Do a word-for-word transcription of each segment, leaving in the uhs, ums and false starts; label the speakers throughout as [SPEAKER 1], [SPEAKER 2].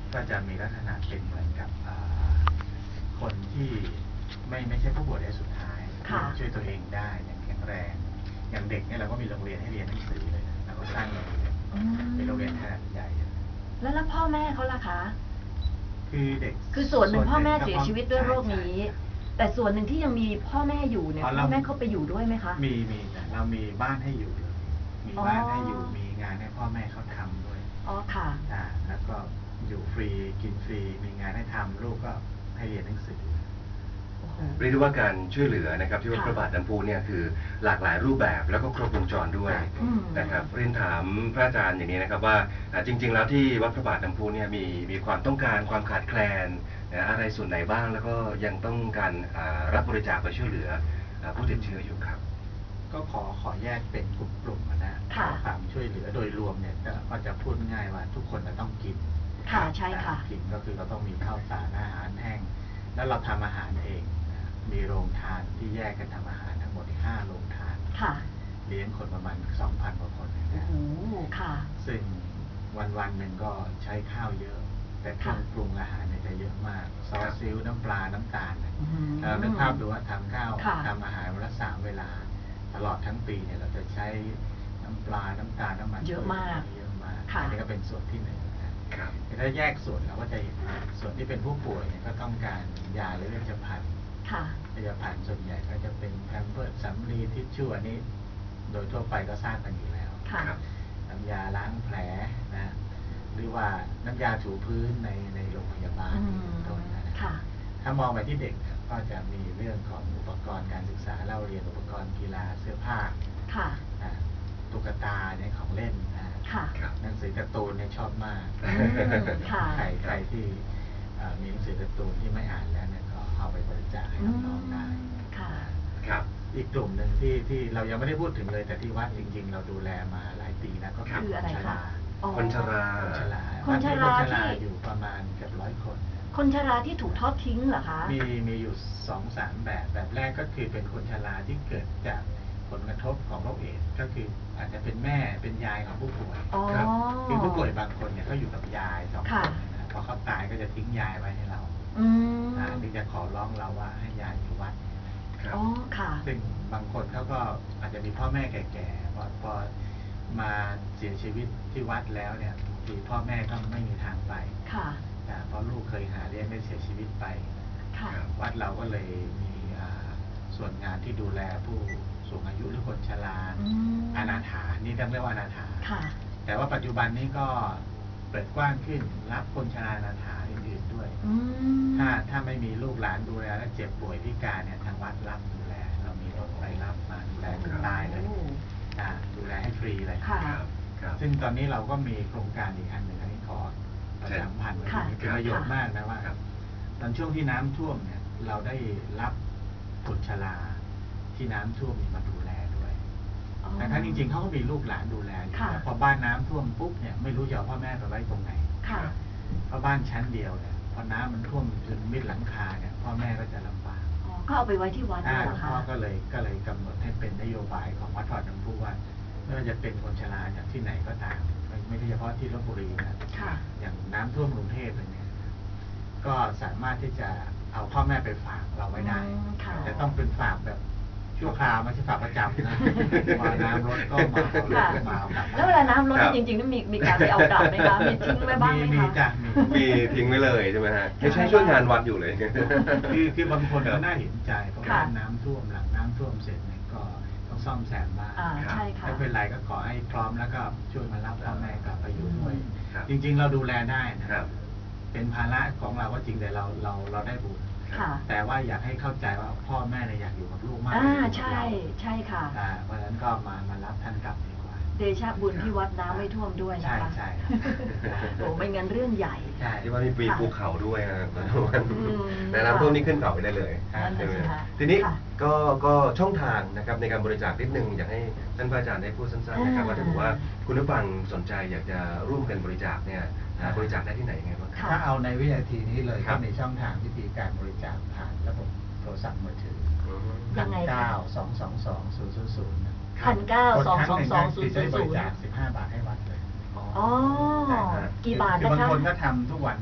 [SPEAKER 1] ก็จะมีลักษณะเป็นเหมือนกับคนที่ไม่ไม่ใช่ผู้ป่วยระยะสุดท้ายช่วยตัวเองได้อย่างแข็งแรงอย่างเด็กเนี่ยเราก็มีโรงเรียนให้เรียนหนังสือเลยนะเราก็สร้างโรงเรียนเป็นโรงเรียนขนาดใหญ่
[SPEAKER 2] แล้วแล้วพ่อแม่เขาล่ะคะ
[SPEAKER 1] คือเด็ก
[SPEAKER 2] คือส่วนหนึ่งพ่อแม่เสียชีวิตด้วยโรคนี้แต่ส่วนหนึ่งที่ยังมีพ่อแม่อยู่เนี่ยพ่อแม่เขาไปอยู่ด้วยไหมคะ
[SPEAKER 1] มีมีแต่เรามีบ้านให้อยู่เลยมีบ้านให้อยู่มีงานให้พ่อแม่เขาทำด้วย
[SPEAKER 2] อ๋อค่ะ
[SPEAKER 1] อ่าแล้วก็อยู่ฟรีกินฟรีมีงานให้ทำลูกก็ให้เรียนหนังสือ
[SPEAKER 3] เรียกได้ว่าการช่วยเหลือนะครับที่วัดพระบาทน้ำพุเนี่ยคือหลากหลายรูปแบบแล้วก็ครบวงจรด้วยนะครับเรียนถามพระอาจารย์อย่างนี้นะครับว่าจริงๆแล้วที่วัดพระบาทน้ำพุเนี่ยมีมีความต้องการความขาดแคลนอะไรส่วนไหนบ้างแล้วก็ยังต้องการรับบริจาคไปช่วยเหลือผู้ติดเชื้ออยู่ครับ
[SPEAKER 1] ก็ขอขอแยกเป็นกลุ่มๆนะความช่วยเหลือโดยรวมเนี่ยก็จะพูดง่ายว่าทุกคนจะต้องกิน
[SPEAKER 2] ค่ะใช่ค่ะ
[SPEAKER 1] กินก็คือเราต้องมีข้าวสารอาหารแห้งแล้วเราทำอาหารเองมีโรงทานที่แยกกันทำอาหารทั้งหมดห้าโรงทานเลี้ยงคนประมาณ สองพัน กว่าคนนะซึ่งวันวันหนึ่งก็ใช้ข้าวเยอะแต่เครื่องปรุงอาหารเนี่ยจะเยอะมากซอสซีอิ๊วน้ำปลาน้ำตาลเรานึกภาพดูว่าทำข้าวทำอาหารวันละสามเวลาตลอดทั้งปีเนี่ยเราจะใช้น้ำปลาน้ำตาลน้ำมัน
[SPEAKER 2] เยอะมาก
[SPEAKER 1] เยอะมากอันนี้ก็เป็นส่วนที่หนึ่งถ้าแยกส่วนเราก็จะเห็นส่วนที่เป็นผู้ป่วยเนี่ยก็ต้องการยาหรือเวชภัณฑ์เวชภัณฑ์ส่วนใหญ่ก็จะเป็นแพมเพิร์สสำลีทิชชู่อันนี้โดยทั่วไปก็ทราบกันอยู่แล้วน้ำยาล้างแผลนะหรือว่าน้ำยาถูพื้นในในโรงพยาบาลตรงนั้นนะถ้ามองไปที่เด็กก็จะมีเรื่องของอุปกรณ์การศึกษาเล่าเรียนอุปกรณ์กีฬาเสื้อผ้าตุ๊กตาเนี่ยของเล่นหนังสือการ์ตูนเนี่ยชอบมากใครใครที่มีหนังสือการ์ตูนที่ไม่อ่านแล้วเนี่ยก็เอาไปบริจาคให้น้องๆได้อีกกลุ่มหนึ่งที่ที่เรายังไม่ได้พูดถึงเลยแต่ที่วัดจริงๆเราดูแลมาหลายปีแล้วก็คือคนชรา
[SPEAKER 3] คนชรา
[SPEAKER 1] คนชราคนชราที่อยู่ประมาณเกือบร้อยคน
[SPEAKER 2] คนชราที่ถูกทอดทิ้งเหรอคะ
[SPEAKER 1] มีมีอยู่สองสามแบบแบบแรกก็คือเป็นคนชราที่เกิดจากผลกระทบของโรคเอดส์ก็คืออาจจะเป็นแม่เป็นยายของผู้ป่วยครับคือผู้ป่วยบางคนเนี่ยเขาอยู่กับยายสองคนนะพอเขาตายก็จะทิ้งยายไว้ให้เราอ่าที่จะขอร้องเราว่าให้ยายอยู่วัด
[SPEAKER 2] อ๋อค่ะ
[SPEAKER 1] ซึ่งบางคนเขาก็อาจจะมีพ่อแม่แก่ๆพอพอมาเสียชีวิตที่วัดแล้วเนี่ยบางทีพ่อแม่ก็ไม่มีทางไป
[SPEAKER 2] ค่ะ
[SPEAKER 1] เพราะลูกเคยหาเลี้ยงได้เสียชีวิตไปวัดเราก็เลยมีส่วนงานที่ดูแลผู้สูงอายุหรือคนชราอนาถานี่เรียกว่าอนาถาแต่ว่าปัจจุบันนี้ก็เปิดกว้างขึ้นรับคนชราอนาถาอื่นๆด้วยถ้าถ้าไม่มีลูกหลานดูแลและเจ็บป่วยพิการเนี่ยทางวัดรับดูแลเรามีรถไปรับมาดูแลจนตายเลยดูแลให้ฟรีเลยซึ่งตอนนี้เราก็มีโครงการอีกอันหนึ่งอันนี้ขอประชาสัมพันธ์เป็นประโยชน์มากนะว่าตอนช่วงที่น้ำท่วมเนี่ยเราได้รับคนชราที่น้ำท่วมมาดูแลด้วยแต่ทั้งจริงๆเขาก็มีลูกหลานดูแลอยู่พอบ้านน้ำท่วมปุ๊บเนี่ยไม่รู้จะเอาพ่อแม่ไปไว้ตรงไหนเพราะบ้านชั้นเดียวเนี่ยพอน้ำมันท่วมจนมิดหลังคาเนี่ยพ่อแม่ก็จะลำบาก
[SPEAKER 2] ก็เอาไปไว้ที่วัด
[SPEAKER 1] หลวงพ่อก็เลยก็เลยกำหนดให้เป็นนโยบายของวัดพระบาทน้ำพุว่าไม่ว่าจะเป็นคนชราจากที่ไหนก็ตามไม่ใช่เฉพาะที่ลพบุรีนะอย่างน้ำท่วมกรุงเทพเลยเนี่ยก็สามารถที่จะเอาพ่อแม่ไปฝากเราไว้ได้แต่ต้องเป็นฝากแบบชั่วคราวไม่ใช่ฝากประจำนะมาน้ำลดก็มาเอาลดมา
[SPEAKER 2] แล้วเวลาน้ำลดจริงๆต้องมีมีการไปเอากลับไหมคะมีทิ้งไว้บ้างไหมคะ
[SPEAKER 3] มีทิ้งไว้เลยใช่ไหมฮะไม่ใช่ช่วยงานวัดอยู่เลย
[SPEAKER 1] คือคือบางคนก็น่าเห็นใจเพราะว่าน้ำท่วมหลังน้ำท่วมเสร็จเนี่ยก็ต้องซ่อมแซมบ้านไม่เป็นไรก็ขอให้พร้อมแล้วก็ช่วยมารับพ่อแม่กลับไปอยู่ด้วยจริงๆเราดูแลได้นะเป็นภาระของเราก็จริงแต่เราเราเราได้บุญแต่ว่าอยากให้เข้าใจว่าพ่อแม่เนี่ยอยากอยู่กับลูกมาก
[SPEAKER 2] อ่าใช่ใช่ค่ะ
[SPEAKER 1] เพราะฉะนั้นก็มามารับท่านกลับดีกว่า
[SPEAKER 2] เดชะบุญที่วัดน้ำไม่ท่วมด้วยนะคะ
[SPEAKER 1] ใช่ใช่
[SPEAKER 2] โอ้ไม่งั้นเรื่องใหญ่
[SPEAKER 3] ที่ว่ามีภูเขาด้วยนะแต่น้ำท่วมนี่ขึ้นเขาไปได้เลยทีนี้ก็ก็ช่องทางนะครับในการบริจาคนิดนึงอยากให้ท่านพระอาจารย์ได้พูดสั้นๆนะครับว่าถ้าถือว่าคุณผู้ฟังสนใจอยากจะร่วมกันบริจาคเนี่ยบริจาคได้ที่ไหนไงบ้าง
[SPEAKER 1] ถ้าเอาในวินาทีนี้เลยก็ในช่องทางวิธีการบริจาคผ่านระบบโทรศัพท์มือถือ
[SPEAKER 2] ยังไง
[SPEAKER 1] เก้าสองสองสองศูนย์ศูนย์ศูนย์
[SPEAKER 2] พันเก้าสองสองสองศูนย์ศูนย์ศูนย์
[SPEAKER 1] สิบห้าบาทให้วัดเลย
[SPEAKER 2] อ๋อกี่บาทนะคะ
[SPEAKER 1] บางคนก็ทำทุกวันอยู่แล้ว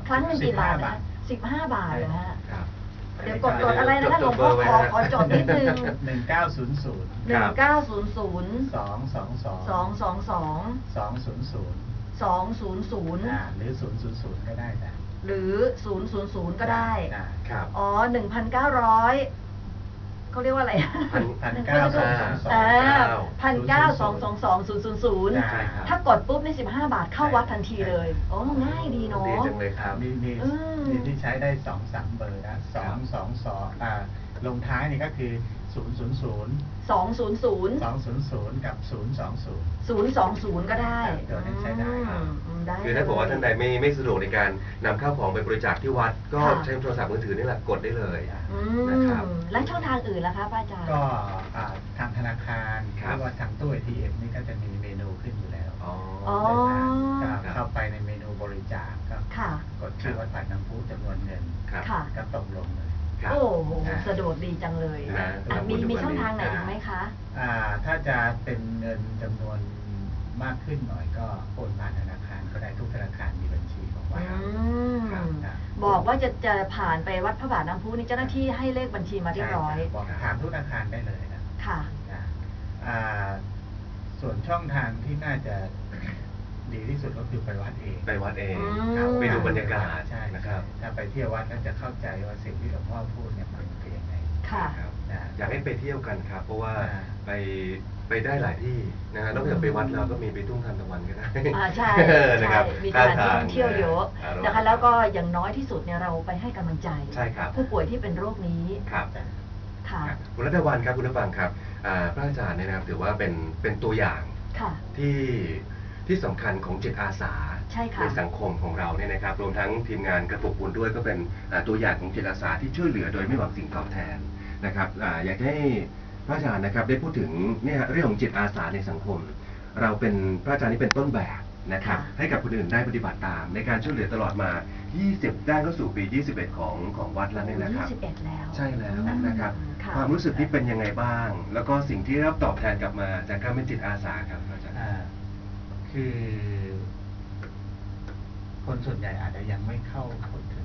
[SPEAKER 2] ครั้งหนึ่งกี่บาทนะสิบห้าบาทเลยฮะเดี๋ยวกดกดอะไรนะคะหลวงพ่อขอขอจดนิดนึง
[SPEAKER 1] หนึ่งเก้าศูนย์ศูนย์
[SPEAKER 2] หนึ่งเก้าศูนย์ศูนย์
[SPEAKER 1] สองสองสอง
[SPEAKER 2] สองสองสอง
[SPEAKER 1] สองศูนย์ศูนย์
[SPEAKER 2] สองศูนย์ศูนย์
[SPEAKER 1] หรือศูนย์ศูนย์ศูนย์ก็ได้จ้ะ
[SPEAKER 2] หรือศูนย์ศูนย์ศูนย์ก็ได้
[SPEAKER 1] ครับ
[SPEAKER 2] อ๋อหนึ่งพันเก้าร้อยเขาเรียกว่าอะไร
[SPEAKER 1] พันเก้าสองสองสอง
[SPEAKER 2] พันเก้าสองสองสองศูนย์ศูนย์ศูนย์ถ้ากดปุ๊บในสิบห้าบาทเข้าวัดทันทีเลยโอ้ง่ายดีเนาะ
[SPEAKER 3] ดีจังเลยครับ
[SPEAKER 1] มีมีมีที่ใช้ได้สองสามเบอร์นะสองสองสองอ่าลงท้ายนี่ก็คือศูนย์ศูนย์ศูนย์
[SPEAKER 2] สองศูนย์ศูนย์
[SPEAKER 1] สองศูนย์ศูนย์กับศูนย์สองศูนย์
[SPEAKER 2] ศูนย์สองศูนย์ก็ได้
[SPEAKER 1] เดี๋ยวนี้ใช้ได้
[SPEAKER 3] คือถ้าบอกว่าท่านใดไม่ไม่สะดวกในการนำข้าวของไปบริจาคที่วัดก็ใช้โทรศัพท์มือถือนี่แหละกดได้เลย
[SPEAKER 2] นะครับและช่องทางอื่นล่ะคะพระอาจารย์
[SPEAKER 1] ก็ทางธนาคารหรือว่าทางตู้ เอ ที เอ็ม นี่ก็จะมีเมนูขึ้นอยู่แล้ว
[SPEAKER 2] อ๋อ
[SPEAKER 1] เข้าไปในเมนูบริจาคก็กดชื่อวัดปากน้ำพุจำนวนเงินก็ตกลงเลย
[SPEAKER 2] โอ้โหสะดวกดีจังเลยมีมีช่องทางไหนอีกไหมคะ
[SPEAKER 1] อ่าถ้าจะเป็นเงินจำนวนมากขึ้นหน่อยก็โอนผ่านธนาคารก็ได้ทุกธนาคารมีบัญชีของวัด
[SPEAKER 2] บอกว่าจะจะผ่านไปวัดพระบาทน้ำพุนี่เจ้าหน้าที่ให้เลขบัญชีมาเรียบร้อย
[SPEAKER 1] บอกถามทุกธนาคารได้เลยนะ
[SPEAKER 2] ค่ะ
[SPEAKER 1] ส่วนช่องทางที่น่าจะดีที่สุดก็คือไปวัดเอง
[SPEAKER 3] ไปวัดเองไปดูบรรยากาศ
[SPEAKER 1] ใช่นะครับถ้าไปเที่ยววัดก็จะเข้าใจว่าสิ่งที่หลวงพ่อพูดเนี่ยมันเป็นยังไง
[SPEAKER 2] ค่ะ
[SPEAKER 3] อยากให้ไปเที่ยวกันครับเพราะว่าไปไปได้หลายที่นะฮะนอกจากไปวัดเราก็มีไปทุ่งทานตะวันก็ได้
[SPEAKER 2] อ่าใช่ใช่มีการท่องเที่ยวเยอะนะคะแล้วก็อย่างน้อยที่สุดเนี่ยเราไปให้กำลังใจผู้ป่วยที่เป็นโรคนี้
[SPEAKER 3] ครับค่ะคุณรัตวันครับคุณผู้ฟังครับพระอาจารย์เนี่ยนะครับถือว่าเป็นเป็นตัวอย่างที่ที่สำคัญของจิตอาสาในสังคมของเราเนี่ยนะครับรวมทั้งทีมงานกระปุกบุญด้วยก็เป็นตัวอย่างของจิตอาสาที่ช่วยเหลือโดยไม่หวังสิ่งตอบแทนนะครับอยากให้พระอาจารย์นะครับได้พูดถึงเนี่ยเรื่องของจิตอาสาในสังคมเราเป็นพระอาจารย์นี่เป็นต้นแบบนะครับให้กับคนอื่นได้ปฏิบัติตามในการช่วยเหลือตลอดมายี่สิบได้เข้าสู่ปียี่สิบเอ็ดของของวัดแล้วเนี่ยนะครับ
[SPEAKER 2] ยี่สิบเอ็ดแล้ว
[SPEAKER 3] ใช่แล้วนะครับความรู้สึกที่เป็นยังไงบ้างแล้วก็สิ่งที่รับตอบแทนกลับมาจากการเป็นจิตอาสาครับอาจารย์
[SPEAKER 1] คือคนส่วนใหญ่อาจจะยังไม่เข้าถึง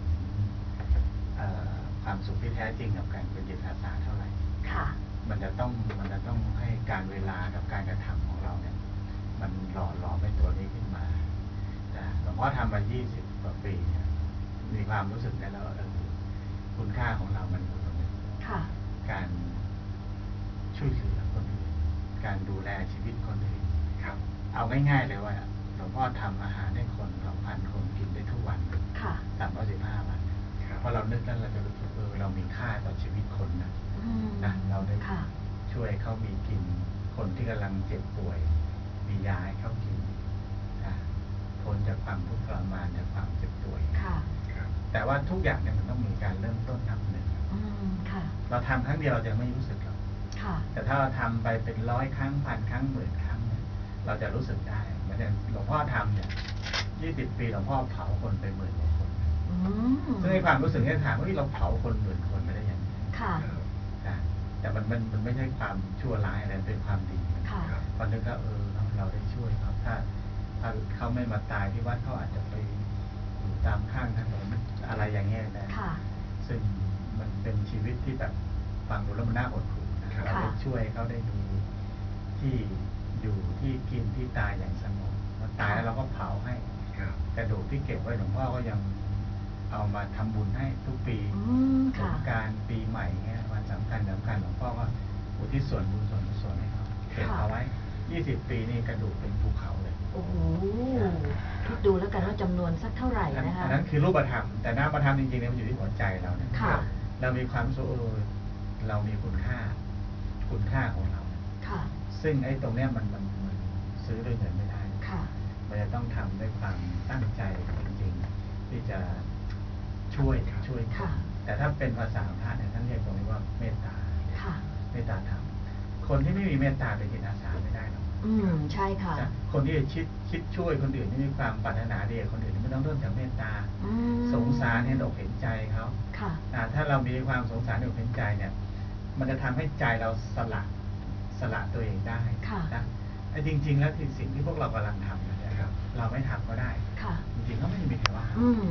[SPEAKER 1] ความสุขที่แท้จริงกับการเป็นจิตอาสาเท่าไหร่
[SPEAKER 2] ค่ะ
[SPEAKER 1] มันจะต้องมันจะต้องให้การเวลากับการกระทำของเราเนี่ยมันหล่อหลอมเป็นตัวนี้ขึ้นมาหลวงพ่อทำมายี่สิบกว่าปีเนี่ยมีความรู้สึกได้แล้วคุณค่าของเรามันอยู่ตรงนี้การช่วยเหลือคนอื่นการดูแลชีวิตคนอื่นเอาง่ายๆเลยว่าหลวงพ่อทำอาหารให้คนสองพันคนกินได้ทุกวันสามร้อยสิบห้าวันเพราะเรานึกแล้วเราจะรู้สึกเออเรามีค่าต่อชีวิตคนนะนะเราได้ช่วยเขามีกินคนที่กำลังเจ็บป่วยมียาให้เขากินพ้นจากความทุกข์ทรมานจากความเจ็บป่วยแต่ว่าทุกอย่างเนี่ยมันต้องมีการเริ่มต้นนับหนึ่งเราทำครั้งเดียวเราจะไม่รู้สึกหรอกแต่ถ้าเราทำไปเป็นร้อยครั้งพันครั้งหมื่นครั้งเราจะรู้สึกได้เหมือนอย่างหลวงพ่อทำเนี่ยยี่สิบปีหลวงพ่อเผาคนไปหมื่นกว่าคนซึ่งในความรู้สึกที่ถามว่าเราเผาคนหมื่นคนไม่ได้ยังไงแต่มันมันมันไม่ใช่ความชั่วร้ายอะไรเป็นความดีพอนึกว่าเออเราได้ช่วยเขาถ้าถ้าเขาไม่มาตายที่วัดเขาอาจจะไปอยู่ตามข้างถนนอะไรอย่างเงี้ยนะซึ่งมันเป็นชีวิตที่แบบฟังดูแล้วมันน่าอดหูนะเราได้ช่วยเขาได้มีที่อยู่ที่กินที่ตายอย่างสงบพอตายแล้วเราก็เผาให้กระดูกที่เก็บไว้หลวงพ่อก็ยังเอามาทำบุญให้ทุกปีสงกรานต์ปีใหม่เงี้ยวันสำคัญสำคัญหลวงพ่อก็อุทิศส่วนบุญส่วนกุศลให้เขาเก็บเอาไว้ยี่สิบปีนี่กระดูกเป็นภูเขาเลย
[SPEAKER 2] โอ้โหคิดดูแล้วกันว่าจำนวนสักเท่าไหร่นะคะ
[SPEAKER 1] นั้นคือรูปธรรมแต่นามธรรมจริงๆเนี่ยมันอยู่ที่หัวใจเราเนี่ยเรามีความรู้สึกเรามีคุณค่าคุณค่าของเราซึ่งไอ้ตรงเนี้ยมันมันมันซื้อด้วยเงินไม่ได้มันจะต้องทำด้วยความตั้งใจจริงๆที่จะช่วยช่วยแต่ถ้าเป็นภาษาพระเนี่ยท่านเรียกตรงนี้ว่าเมตตาเมตตาธรรมคนที่ไม่มีเมตตาเป็นจิตอาสาไม่ได้หรอก
[SPEAKER 2] อืมใช่ค่ะ
[SPEAKER 1] คนที่จะคิดคิดช่วยคนอื่นที่มีความปรารถนาดีคนอื่นไม่ต้องเริ่มจากเมตตาสงสารเห็นอกเห็นใจเขาถ้าเรามีความสงสารอกเห็นใจเนี่ยมันจะทำให้ใจเราสละสละตัวเองได้นะไอ้จริงๆแล้วที่สิ่งที่พวกเรากำลังทำนะครับเราไม่ทำก็ได้จริงๆก็ไม่มีใครว่ามันอยู่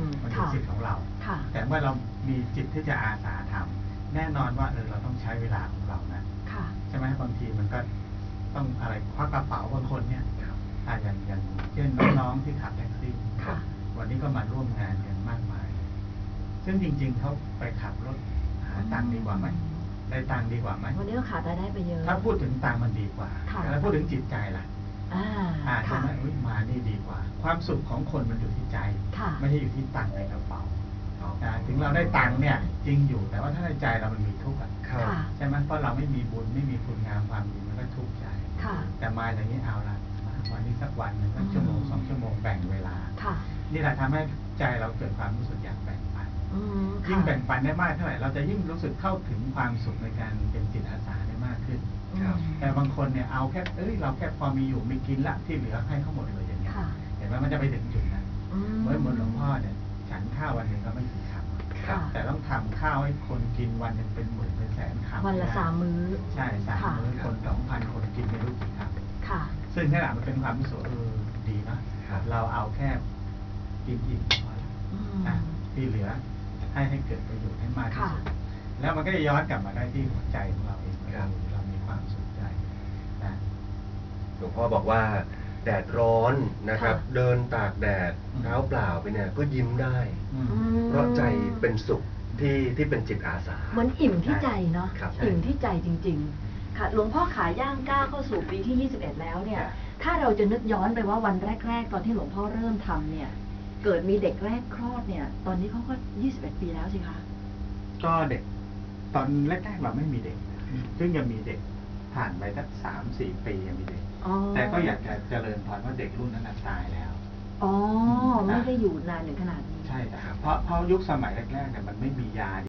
[SPEAKER 1] เป็นสิทธิ์ของเราแต่เมื่อเรามีจิตที่จะอาสาทำแน่นอนว่าเออเราต้องใช้เวลาของเรานะใช่ไหมบางทีมันก็ต้องอะไรควักกระเป๋าบางคนเนี่ยอ่าอย่างอย่างเช่นน้องๆที่ขับแท็กซี่วันนี้ก็มาร่วมงานกันมากมายซึ่งจริงๆเขาไปขับรถหาตังค์ดีกว่าไหมได้ตังค์ดีกว่าไหม
[SPEAKER 2] วันนี้ก็ขาดรายได้ไปเยอะ
[SPEAKER 1] ถ้าพูดถึงตังค์มันดีกว่าแล้วพูดถึงจิตใจล่ะอ่าใช่ไหมมานี่ดีกว่าความสุขของคนมันอยู่ที่ใจไม่ใช่อยู่ที่ตังค์ในกระเป๋าถึงเราได้ตังค์เนี่ยจริงอยู่แต่ว่าถ้าในใจเรามันมีทุกข์ใช่ไหมเพราะเราไม่มีบุญไม่มีคุณงามความดีมันก็ทุกข์ใจแต่มาอย่างนี้เอาละวันนี้สักวันหนึ่งสักชั่วโมงสองชั่วโมงแบ่งเวลานี่แหละทำให้ใจเราเกิดความรู้สึกอยากแบ่งปันยิ่งแบ่งปันได้มากเท่าไหร่เราจะยิ่งรู้สึกเข้าถึงความสุขในการเป็นจิตอาสาได้มากขึ้นแต่บางคนเนี่ยเอาแค่เอ้ยเราแค่พอมีอยู่มีกินละที่เหลือให้เขาหมดเลยอย่างเงี้ยเห็นไหมมันจะไปถึงจุดนั้นเหมือนเหมือนหลวงพ่อเนี่ยฉันข้าววันหนึ่งก็ไม่กี่คำแต่ต้องทำข้าวให้คนกินวันหนึ่งเป็นหมื่นเป็นแสนคำ
[SPEAKER 2] วันละสามมื้อ
[SPEAKER 1] ใช่สามมื้อคนสองพันคนกินไม่รู้กี่คำซึ่งขณะมันเป็นความรู้สึกเออดีนะเราเอาแค่กินอิ่มพอแล้วนะที่เหลือให้ให้เกิดประโยชน์ให้มากที่สุดแล้วมันก็จะย้อนกลับมาได้ที่หัวใจของเราเองเรามีความสุขใจนะ
[SPEAKER 3] หลวงพ่อบอกว่าแดดร้อนนะครับเดินตากแดดเท้าเปล่าไปเนี่ยก็ยิ้มได้เพราะใจเป็นสุขที่ที่เป็นจิตอาสา
[SPEAKER 2] เหมือนอิ่มที่ใจเนาะอิ่มที่ใจจริงๆค่ะหลวงพ่อขาย่างก้าวเข้าสู่ปีที่ยี่สิบเอ็ดแล้วเนี่ยถ้าเราจะนึกย้อนไปว่าวันแรกๆตอนที่หลวงพ่อเริ่มทำเนี่ยเกิดมีเด็กแรกคลอดเนี่ยตอนนี้เขาก็ยี่สิบเอ็ดปีแล้วสิคะ
[SPEAKER 1] ก็เด็กตอนแรกๆเราไม่มีเด็กซึ่งยังมีเด็กผ่านไปสักสามสี่ปียังมีเด็กแต่ก็อยากจะเจริญพรว่าเด็กรุ่นนั้นตายแล้ว
[SPEAKER 2] อ๋อไม่ได้อยู่นานถึงขนาดนี้
[SPEAKER 1] ใช่ครับเพราะเพราะยุคสมัยแรกๆเนี่ยมันไม่มียา